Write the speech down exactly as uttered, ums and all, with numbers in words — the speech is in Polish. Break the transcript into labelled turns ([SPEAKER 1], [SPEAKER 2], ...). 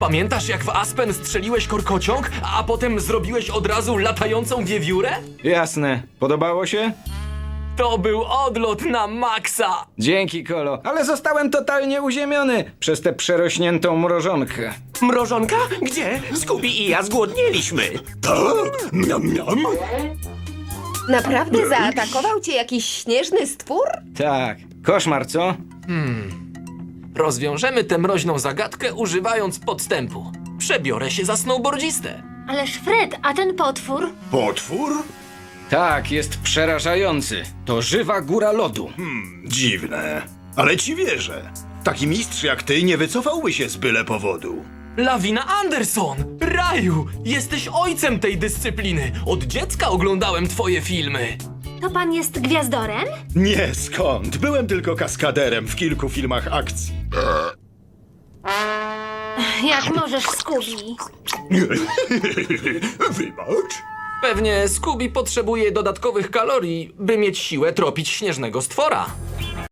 [SPEAKER 1] Pamiętasz, jak w Aspen strzeliłeś korkociąg, a potem zrobiłeś od razu latającą wiewiórę?
[SPEAKER 2] Jasne. Podobało się?
[SPEAKER 1] To był odlot na maksa!
[SPEAKER 2] Dzięki, Kolo. Ale zostałem totalnie uziemiony przez tę przerośniętą mrożonkę.
[SPEAKER 3] Mrożonka? Gdzie? Scooby i ja zgłodnieliśmy.
[SPEAKER 4] Tak? Miam, miam.
[SPEAKER 5] Naprawdę zaatakował cię jakiś śnieżny stwór?
[SPEAKER 2] Tak. Koszmar, co?
[SPEAKER 1] Rozwiążemy tę mroźną zagadkę używając podstępu. Przebiorę się za snowboardzistę.
[SPEAKER 6] Ależ Fred, a ten potwór?
[SPEAKER 4] Potwór?
[SPEAKER 2] Tak, jest przerażający. To żywa góra lodu.
[SPEAKER 4] Dziwne. Ale ci wierzę. Taki mistrz jak ty nie wycofałby się z byle powodu.
[SPEAKER 1] Lawina Anderson! Raju! Jesteś ojcem tej dyscypliny! Od dziecka oglądałem twoje filmy!
[SPEAKER 6] To pan jest gwiazdorem?
[SPEAKER 4] Nie, skąd? Byłem tylko kaskaderem w kilku filmach akcji.
[SPEAKER 6] Jak możesz, Scooby?
[SPEAKER 4] Wybacz.
[SPEAKER 1] Pewnie Scooby potrzebuje dodatkowych kalorii, by mieć siłę tropić śnieżnego stwora.